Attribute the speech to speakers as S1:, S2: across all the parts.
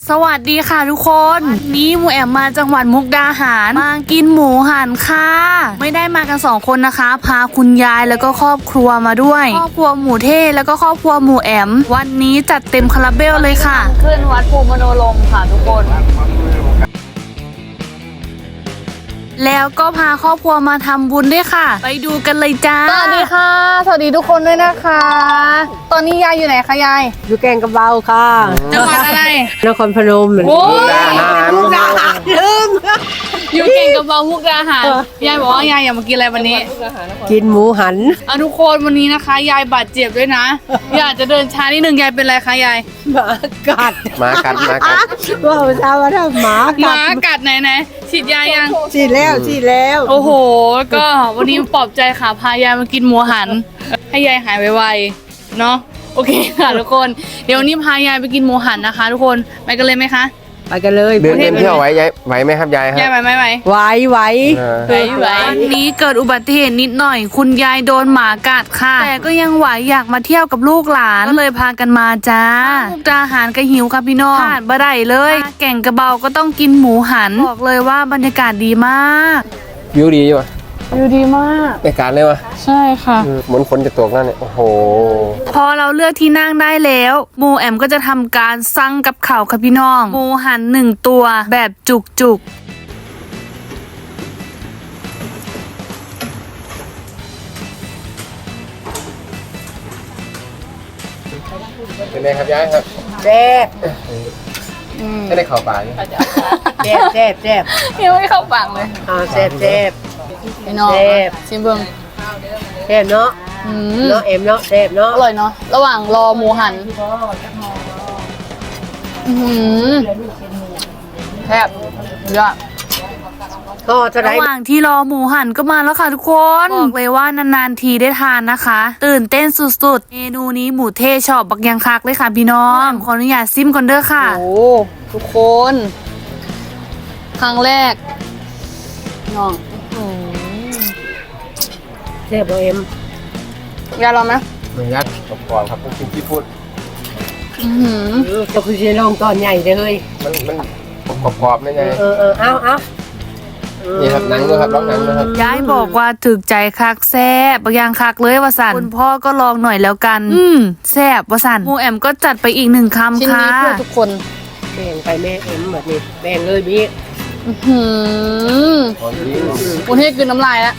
S1: สวัสดีค่ะทุกคนวันนี้หมูแอมมาจังหวัดมุกดาหารมากินหมูหันค่ะไม่ได้มากัน2คนนะคะพาคุณยายแล้วก็ครอบครัวมาด้วยครอบครัวหมูเท่แล้วก็ครอบครัวหมูแอมวันนี้จัดเต็มคาราเบลเลยค่ะขึ้นวัดภูมิมโนลมค่ะทุกคนแล้วก็พาครอบครัวมาทำบุญด้วยค่ะไปดูกันเลยจ้าสวัสดีค่ะสวัสดีทุกคนด้วยนะคะตอนนี้ยายอยู่ไหนคะยาย
S2: อยู่แกงกระเบาค่ะ
S1: จังหวัดอะไร
S2: นครพนม
S1: โอ้
S2: ลืม
S1: อยู่เก่งกับเบามุกดาหารยายบอกว่ายายอยากมากินอะไรวันนี้
S2: กินหมูหัน
S1: ทุกคนวันนี้นะคะยายบาดเจ็บด้วยนะอยากจะเดินช้านิดนึงยายเป็นไรคะยาย
S2: หมากัด
S3: ว่า
S2: เช้าว่าถ้าหมา
S1: กัดไหนฉีดยายัง
S2: ฉีดแล้ว
S1: โอ้โหก็วันนี้ปลอบใจค่ะพายายมากินหมูหันให้ยายหายไวๆเนาะโอเคค่ะทุกคนเดี๋ยววันนี้พายายไปกินหมูหันนะคะทุกคนไปกันเลยไหมคะ
S2: ไปกันเลย
S3: เดินเที่ยวไหวไหมครับยายครับ
S1: ยายไหว
S2: ไหว
S1: วันนี้เกิดอุบัติเหตุนิดหน่อยคุณยายโดนหมากัดค่ะแต่ก็ยังไหวอยากมาเที่ยวกับลูกหลานก็เลยพากันมาจ้ามุกดาหารก็หิวค่ะพี่น้องขาดบ่ได้เลยแก่งกระเบาก็ต้องกินหมูหันบอกเลยว่าบรรยากาศดีมาก
S3: วิวดีอยู่
S1: วิวดีมาก
S3: ในการเลยวะ
S1: ใช่ค่ะ
S3: เหมือนฝนจะตกนั่นเนี่ยโอ้โห
S1: พอเราเลือกที่นั่งได้แล้วหมูแอมก็จะทำการสั่งกับข่าวค่ะพี่น้องหมูหัน1ตัวแบบจุก
S3: เป็นไงครับยายครับ
S2: แซ่บ
S3: ไม่ได้ข่าวปลาเนี่ย
S2: แซ่บ
S1: ยังไม่เข้าปากเลย
S2: แซ่บ
S1: พี่น้องชิมเบิ้ง
S2: แซ่บเนาะเนาะเอ็มเนาะแซ่บเนาะ
S1: อร่อยเนาะระหว่างรอหมูหันแซ่บเยอะ
S2: ก็
S1: ระหว่างที่รอหมูหันก็มาแล้วค่ะทุกคนบอกเลยว่านานๆทีได้ทานนะคะตื่นเต้นสุดๆเมนูนี้หมูเทชอบบักยังคักเลยค่ะพี่น้องขออนุญาตซิมก่อนเด้อค่ะโอ้ทุกคนครั้งแรกน้อง
S2: แซ่บเอ็ม
S1: ยายลองไหม
S3: ไม่ยัดกรอบครับต้องกินที่พูด
S2: ก็คือจะลองตอนใหญ่เลย
S3: มันกรอบๆนี่ไง
S2: เอา
S3: นี่ครับหนังด้วยครับลองหนังด้วยครับ
S1: ยายบอกว่าถึกใจคักแซ่บบางอย่างคักเลยว่าสันคุณพ่อก็ลองหน่อยแล้วกันแซ่บว่าสันหมูแอมก็จัดไปอีก1 คำค่ะชิ้นนี้เพื่อทุกคน
S2: แบ่งไปแม่เอ็มแบบนี้แบ่งเลยพี่
S1: คุณให้กินน้ำลายแล้ว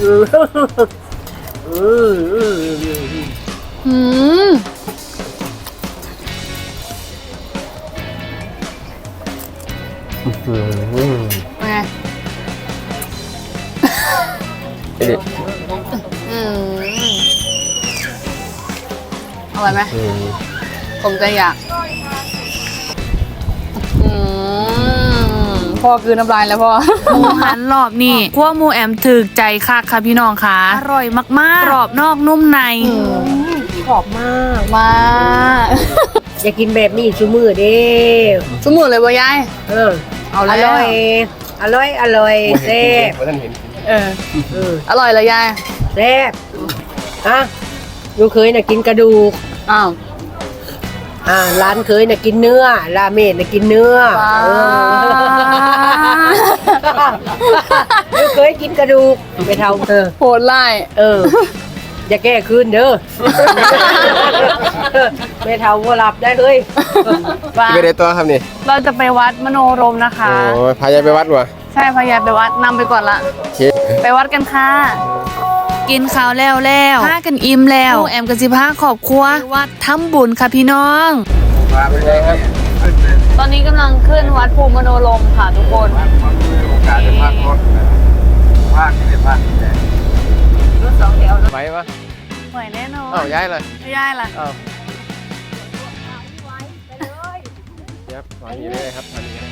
S1: ไงอร่อยไหมผมจะอยากพ่อคือน้ำลายแล้วพ่อหมูหันรอบนี่คั่วหมูแอมถึกใจคักค่ะพี่น้องค่ะอร่อยมากๆกรอบนอกนุ่มใน
S2: กรอบมากอยากกินแบบนี้ชูมือเด้
S1: ชูมือเลยบ่ยาย
S2: เอาเลยอร่อยแซ่บ
S1: อร่อยเลยยาย
S2: แซ่บลูกเคยน่ะกินกระดูกร้านเคยน่ะกินเนื้อราเมนน่ะกินเนื้อลูกเคยกินกระดูกไปเท่า
S1: โหดไล่
S2: อย่าแก้คืนเด้อไปเท่าวัวหลับได้เลย
S3: ไม่ได้ตัวครับนี่
S1: เราจะไปวัดมโนรมนะคะ
S3: โอ้พายายไปวัดวะ
S1: ใช่พายายไปวัดนำไปก่อนละไปวัดกันค่ะกินข้าวแล้วพากันอิ่มแล้วแอมกับสิพาครอบครัววัดทำบุญค่ะพี่น้องตอนนี้กำลังขึ้นวัดภูมิมโนรมค่ะทุกคน
S3: การจะพักรถพักที่จะพักรถ2 แถวไหวปะ
S1: ไหวแน่นอน
S3: ย้ายเลย
S1: ย้ายล่ะ
S3: ถอนนี้เลยครับถอนนี้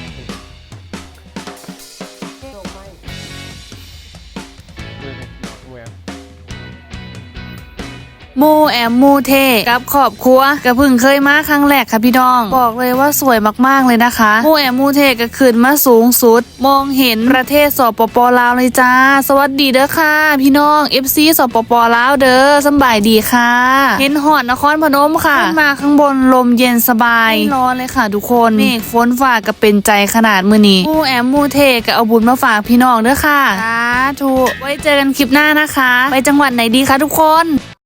S1: หมู่แอมหมู่เทกับครอบครัวก็เพิ่งเคยมาครั้งแรกค่ะพี่น้องบอกเลยว่าสวยมากๆเลยนะคะหมู่แอมหมู่เทก็ขึ้นมาสูงสุดมองเห็นประเทศสปปลาวเลยจ้าสวัสดีเด้อค่ะพี่น้อง FC สปปลาวเด้อสำบายดีค่ะเห็นหอดนครพนมค่ะขึ้นมาข้างบนลมเย็นสบายไม่ร้อนเลยค่ะทุกคนเมฆฝนฟ้าก็เป็นใจขนาดมื้อนี้หมู่แอมหมู่เทก็เอาบุญมาฝากพี่น้องเด้อค่ะสาธุไว้เจอกันคลิปหน้านะคะไปจังหวัดไหนดีคะทุกคน